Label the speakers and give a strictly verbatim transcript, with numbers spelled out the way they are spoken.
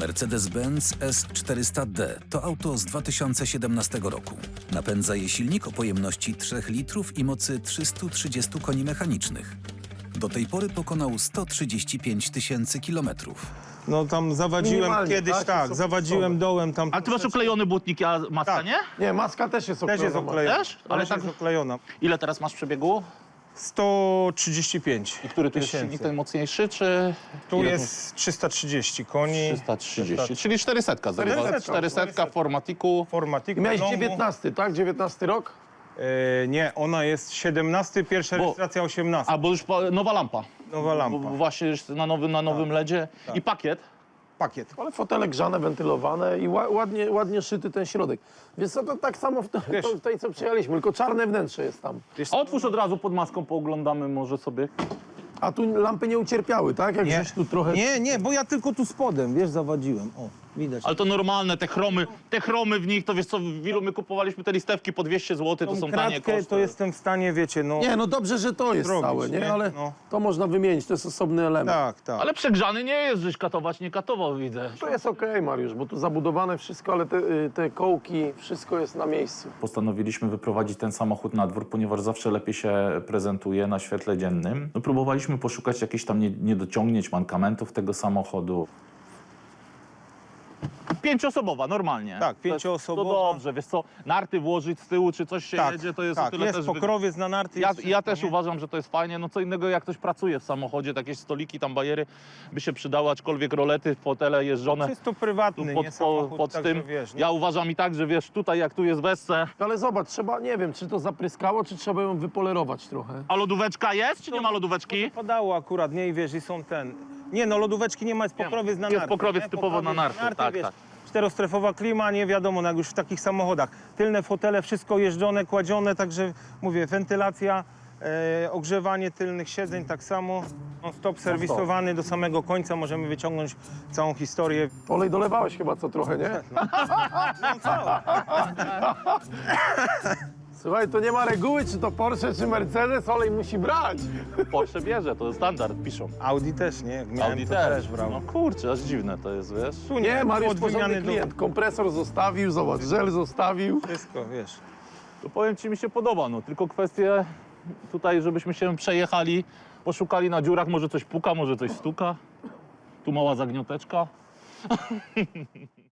Speaker 1: Mercedes-Benz S czterysta D to auto z dwa tysiące siedemnastego roku. Napędza je silnik o pojemności trzech litrów i mocy trzystu trzydziestu koni mechanicznych. Do tej pory pokonał sto trzydzieści pięć tysięcy kilometrów.
Speaker 2: No tam zawadziłem
Speaker 3: Minimalnie,
Speaker 2: kiedyś,
Speaker 3: tak?
Speaker 2: tak,
Speaker 3: Są
Speaker 2: zawadziłem
Speaker 3: podstawowe.
Speaker 2: dołem tam.
Speaker 4: Ale ty masz oklejony błotnik, a maska
Speaker 2: Tak.
Speaker 4: nie?
Speaker 3: Nie, maska też jest
Speaker 2: Też
Speaker 3: oklejona.
Speaker 2: jest oklejona.
Speaker 4: Też? Ale
Speaker 2: Ale
Speaker 4: tak-
Speaker 2: tak jest oklejona.
Speaker 4: Ile teraz masz przebiegu?
Speaker 2: sto trzydzieści pięć.
Speaker 4: I który tu jest
Speaker 2: tysięcy.
Speaker 4: silnik ten mocniejszy, czy...
Speaker 2: Tu
Speaker 4: ile
Speaker 2: jest trzysta trzydzieści koni.
Speaker 4: trzysta trzydzieści, czyli czterysta.
Speaker 2: czterysta,
Speaker 4: czterysta w formatiku.
Speaker 2: Formatik
Speaker 3: I miałeś
Speaker 2: wiadomo.
Speaker 3: dziewiętnasty, tak? dziewiętnasty rok?
Speaker 2: E, nie, ona jest siedemnasty, pierwsza
Speaker 4: Bo-
Speaker 2: rejestracja osiemnasty.
Speaker 4: A, bo już po- nowa lampa.
Speaker 2: Nowa lampa.
Speaker 4: Bo właśnie już na nowym, na nowym ledzie. I pakiet.
Speaker 2: Pakiet.
Speaker 3: Ale fotele grzane, wentylowane i ła, ładnie, ładnie szyty ten środek. Wiesz co, to tak samo w, to,
Speaker 2: Wiesz-
Speaker 3: to, w tej, co przyjechaliśmy, tylko czarne wnętrze jest tam.
Speaker 4: A otwórz od razu pod maską, pooglądamy może sobie.
Speaker 3: A tu lampy nie ucierpiały, tak? Jak żeś tu trochę...
Speaker 2: Nie, nie, bo ja tylko tu spodem, wiesz, zawadziłem. O, widać.
Speaker 4: Ale to normalne, te chromy, te chromy w nich, to wiesz co, w ilu my kupowaliśmy te listewki po dwieście złotych, to
Speaker 2: Tą
Speaker 4: są tanie
Speaker 2: kratkę
Speaker 4: koszty.
Speaker 2: to jestem w stanie, wiecie, no...
Speaker 3: Nie, no dobrze, że to jest
Speaker 2: Zrobić,
Speaker 3: całe, nie?
Speaker 2: nie?
Speaker 3: Ale
Speaker 2: No.
Speaker 3: to można wymienić, to jest osobny element.
Speaker 2: Tak, tak.
Speaker 4: Ale przegrzany nie jest, żeś katować nie katował, widzę.
Speaker 3: To jest okej, Mariusz, bo tu zabudowane wszystko, ale te, y, te kołki, wszystko jest na miejscu.
Speaker 5: Postanowiliśmy wyprowadzić ten samochód na dwór, ponieważ zawsze lepiej się prezentuje na świetle dziennym. No, próbowaliśmy poszukać jakichś tam nie- niedociągnięć, mankamentów tego samochodu.
Speaker 4: Pięcioosobowa, normalnie.
Speaker 2: Tak,
Speaker 4: To-
Speaker 2: pięcioosobowa.
Speaker 4: To dobrze, wiesz co, narty włożyć z tyłu, czy coś się
Speaker 2: tak,
Speaker 4: jedzie, to jest
Speaker 2: tak,
Speaker 4: o tyle
Speaker 2: jest
Speaker 4: też... wy-
Speaker 2: pokrowiec na narty.
Speaker 4: Ja,
Speaker 2: jest
Speaker 4: ja
Speaker 2: wszystko,
Speaker 4: też
Speaker 2: nie?
Speaker 4: uważam, że to jest fajnie. No co innego, jak ktoś pracuje w samochodzie, takie stoliki, tam bajery by się przydały, aczkolwiek rolety, fotele jeżdżone
Speaker 2: Czysto prywatny,
Speaker 4: tu pod,
Speaker 2: nie
Speaker 4: po,
Speaker 2: samochód,
Speaker 4: pod
Speaker 2: także
Speaker 4: tym.
Speaker 2: wiesz, nie?
Speaker 4: Ja uważam i tak, że wiesz, tutaj jak tu jest wesce,
Speaker 3: Ale zobacz, trzeba, nie wiem, czy to zapryskało, czy trzeba ją wypolerować trochę.
Speaker 4: a lodóweczka jest, czy nie ma lodóweczki?
Speaker 2: Padało akurat, nie, i wiesz, i są ten... Nie, no lodóweczki nie ma, jest pokrowiec na
Speaker 4: Jest
Speaker 2: narty.
Speaker 4: pokrowiec
Speaker 2: nie?
Speaker 4: typowo na
Speaker 2: Pokrowiec
Speaker 4: narty, tak,
Speaker 2: wiesz,
Speaker 4: tak.
Speaker 2: Czterostrefowa klima, nie wiadomo, no jak już w takich samochodach. Tylne fotele, wszystko jeżdżone, kładzione, także mówię, wentylacja, e, ogrzewanie tylnych siedzeń tak samo. No stop serwisowany do samego końca, możemy wyciągnąć całą historię.
Speaker 3: Olej dolewałeś chyba co trochę, nie? Słuchaj, to nie ma reguły, czy to Porsche, czy Mercedes, olej musi brać.
Speaker 4: Porsche bierze, to jest standard, piszą.
Speaker 2: Audi też, nie? Jak miałem,
Speaker 4: Audi
Speaker 2: to
Speaker 4: też.
Speaker 2: brałem.
Speaker 4: No kurczę, aż dziwne to jest, wiesz.
Speaker 2: Tu
Speaker 3: Nie, Mariusz,
Speaker 2: od
Speaker 3: porządny
Speaker 2: wymiany do...
Speaker 3: klient. Kompresor zostawił, zobacz, żel zostawił.
Speaker 2: Wszystko, wiesz.
Speaker 4: To powiem ci, mi się podoba, no tylko kwestie tutaj, żebyśmy się przejechali, poszukali na dziurach, może coś puka, może coś stuka. Tu mała zagnioteczka.